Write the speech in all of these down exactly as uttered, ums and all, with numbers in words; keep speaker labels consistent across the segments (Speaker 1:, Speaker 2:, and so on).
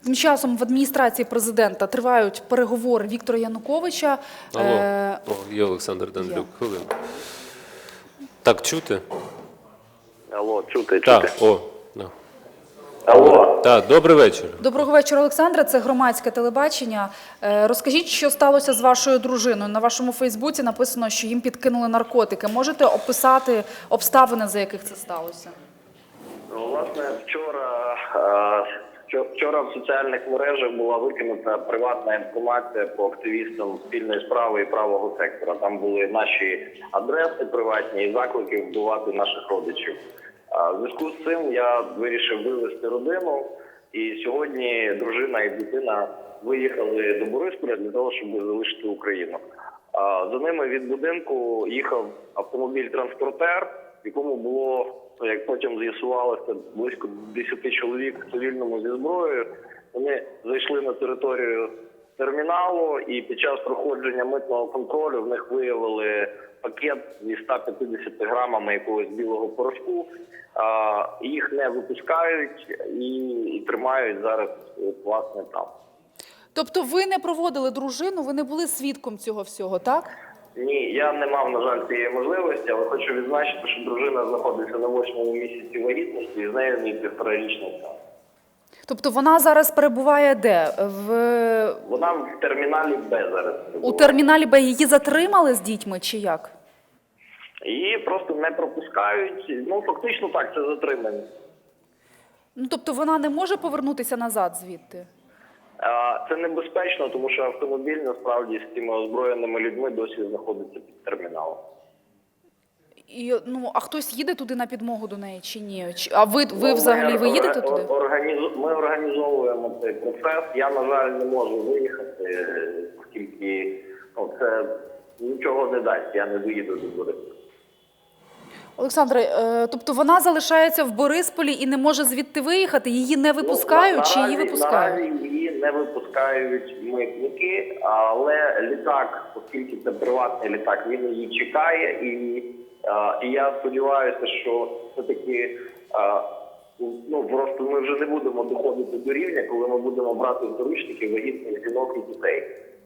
Speaker 1: Тим часом в адміністрації президента тривають переговори Віктора Януковича.
Speaker 2: Алло,
Speaker 1: Е...
Speaker 2: О, є Олександр Данилюк. Хвилину. Так, чути?
Speaker 3: Алло, чути, чути.
Speaker 2: Так, о. Да.
Speaker 3: Алло.
Speaker 2: Так, добрий вечір.
Speaker 1: Доброго вечора, Олександре. Це громадське телебачення. Е, Розкажіть, що сталося з вашою дружиною? На вашому Фейсбуці написано, що їм підкинули наркотики. Можете описати обставини, за яких це сталося?
Speaker 3: Ну, власне, вчора, е, вчора в соціальних мережах була викинута приватна інформація по активістам спільної справи і правого сектора. Там були наші адреси приватні і заклики вбивати наших родичів. В зв'язку з цим я вирішив вивезти родину, і сьогодні дружина і дитина виїхали до Борисполя для того, щоб залишити Україну. За ними від будинку їхав автомобіль-транспортер, в якому було, як потім з'ясувалося, близько десяти чоловік в цивільному зі зброєю. Вони зайшли на територію терміналу, і під час проходження митного контролю в них виявили пакет зі ста п'ятдесятими грамами якогось білого порошку. Їх не випускають і, і тримають зараз, власне, там.
Speaker 1: Тобто ви не проводили дружину, ви не були свідком цього всього, так?
Speaker 3: Ні, я не мав, на жаль, цієї можливості, але хочу відзначити, що дружина знаходиться на восьмому місяці вагітності, і з нею мій півторарічний син.
Speaker 1: Тобто вона зараз перебуває де? В...
Speaker 3: Вона в терміналі Б зараз перебуває.
Speaker 1: У терміналі Б її затримали з дітьми чи як?
Speaker 3: Її просто не пропускають. Ну, фактично так, це затримання.
Speaker 1: Ну, тобто вона не може повернутися назад звідти?
Speaker 3: Це небезпечно, тому що автомобіль, насправді, з цими озброєними людьми досі знаходиться під терміналом.
Speaker 1: І, ну, а хтось їде туди на підмогу до неї чи ні? Чи, а ви, ви взагалі, ви їдете туди?
Speaker 3: Організу... Ми організовуємо цей процес. Я, на жаль, не можу виїхати, оскільки ну, це нічого не дасть, я не доїду до Борисполя.
Speaker 1: Олександре, е, тобто вона залишається в Борисполі і не може звідти виїхати? Її не випускають
Speaker 3: ну,
Speaker 1: чи
Speaker 3: наразі,
Speaker 1: її випускають?
Speaker 3: Наразі її не випускають митники, але літак, оскільки це приватний літак, він її чекає. І, а, і я сподіваюся, що все-таки а, ну, просто ми вже не будемо доходити до рівня, коли ми будемо брати в заручники вагітних жінок і дітей.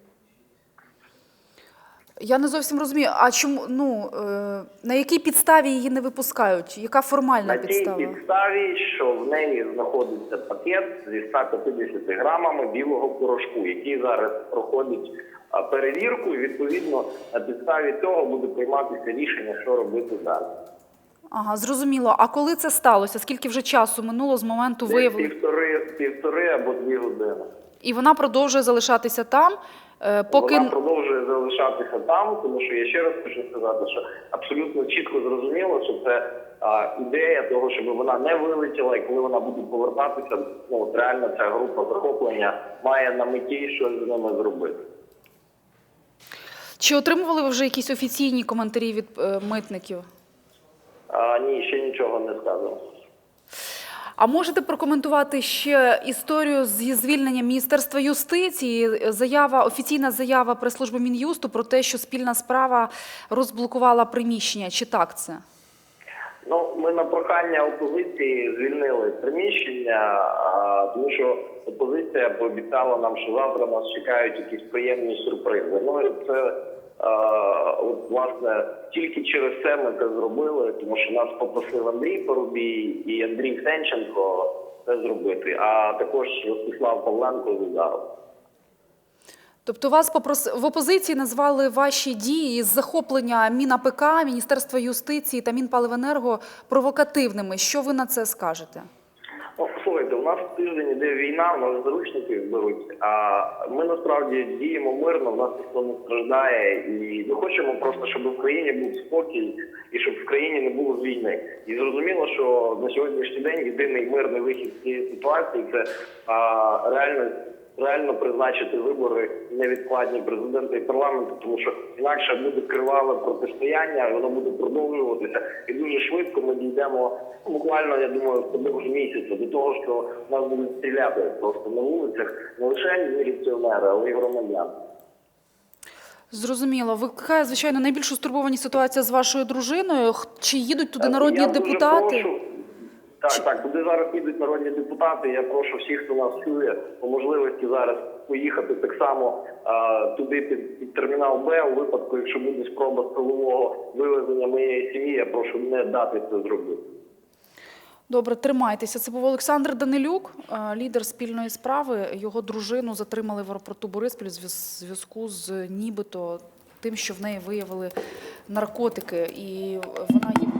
Speaker 1: Я не зовсім розумію, а чому, ну, е, на якій підставі її не випускають? Яка формальна
Speaker 3: на
Speaker 1: підстава?
Speaker 3: На тій підставі, що в неї знаходиться пакет зі ста п'ятдесятими грамами білого порошку, який зараз проходить перевірку, і відповідно на підставі цього буде прийматися рішення, що робити далі.
Speaker 1: Ага, зрозуміло. А коли це сталося? Скільки вже часу минуло з моменту виявлення?
Speaker 3: Півтори, півтори або дві години.
Speaker 1: І вона продовжує залишатися там, поки...
Speaker 3: Вона продовжує залишатися там, тому що я ще раз хочу сказати, що абсолютно чітко зрозуміло, що це а, ідея того, щоб вона не вилетіла, і коли вона буде повертатися, ну, от реально ця група захоплення має на меті щось з ними зробити.
Speaker 1: Чи отримували ви вже якісь офіційні коментарі від е, митників?
Speaker 3: А, ні, ще нічого не сказано.
Speaker 1: А можете прокоментувати ще історію зі звільненням Міністерства юстиції? Заява, офіційна заява прес-служби Мін'юсту про те, що спільна справа розблокувала приміщення. Чи так це?
Speaker 3: Ну, ми на прохання опозиції звільнили приміщення, а, тому що опозиція пообіцяла нам, що завтра нас чекають якісь приємні сюрпризи. Ну, і це, а, от, власне, тільки через це ми це зробили, тому що нас попросив Андрій Парубій і Андрій Сенченко це зробити, а також Ростислав Павленко з Удару.
Speaker 1: Тобто вас попрос... в опозиції назвали ваші дії з захоплення МінАПК, Міністерства юстиції та Мінпаливенерго провокативними. Що ви на це скажете?
Speaker 3: Ну, слухайте, у нас тиждень іде війна, у нас заручників беруть, а ми насправді діємо мирно, в нас ніхто не страждає, і ми хочемо просто, щоб в країні був спокій і щоб в країні не було війни. І зрозуміло, що на сьогоднішній день єдиний мирний вихід з цієї ситуації – це а, реально реально призначити вибори невідкладні президента і парламенту, тому що інакше буде криваве протистояння, і воно буде продовжуватися. І дуже швидко ми дійдемо, буквально, я думаю, впродовж місяця, до того, що нас будуть стріляти просто на вулицях не лише міліціонери, але й громадяни.
Speaker 1: Зрозуміло. Викликає, звичайно, найбільшу стурбованість ситуація з вашою дружиною. Чи їдуть туди народні
Speaker 3: я
Speaker 1: депутати?
Speaker 3: Дуже прошу, Так, так, туди зараз підуть народні депутати. Я прошу всіх, хто нас чує, по можливості зараз поїхати так само а, туди під, під термінал Б. У випадку, якщо буде спроба силового вивезення моєї сім'ї, я прошу не дати це зробити.
Speaker 1: Добре, тримайтеся. Це був Олександр Данилюк, е, лідер спільної справи. Його дружину затримали в аеропорту Бориспіль у зв'язку з нібито тим, що в неї виявили наркотики. І вона є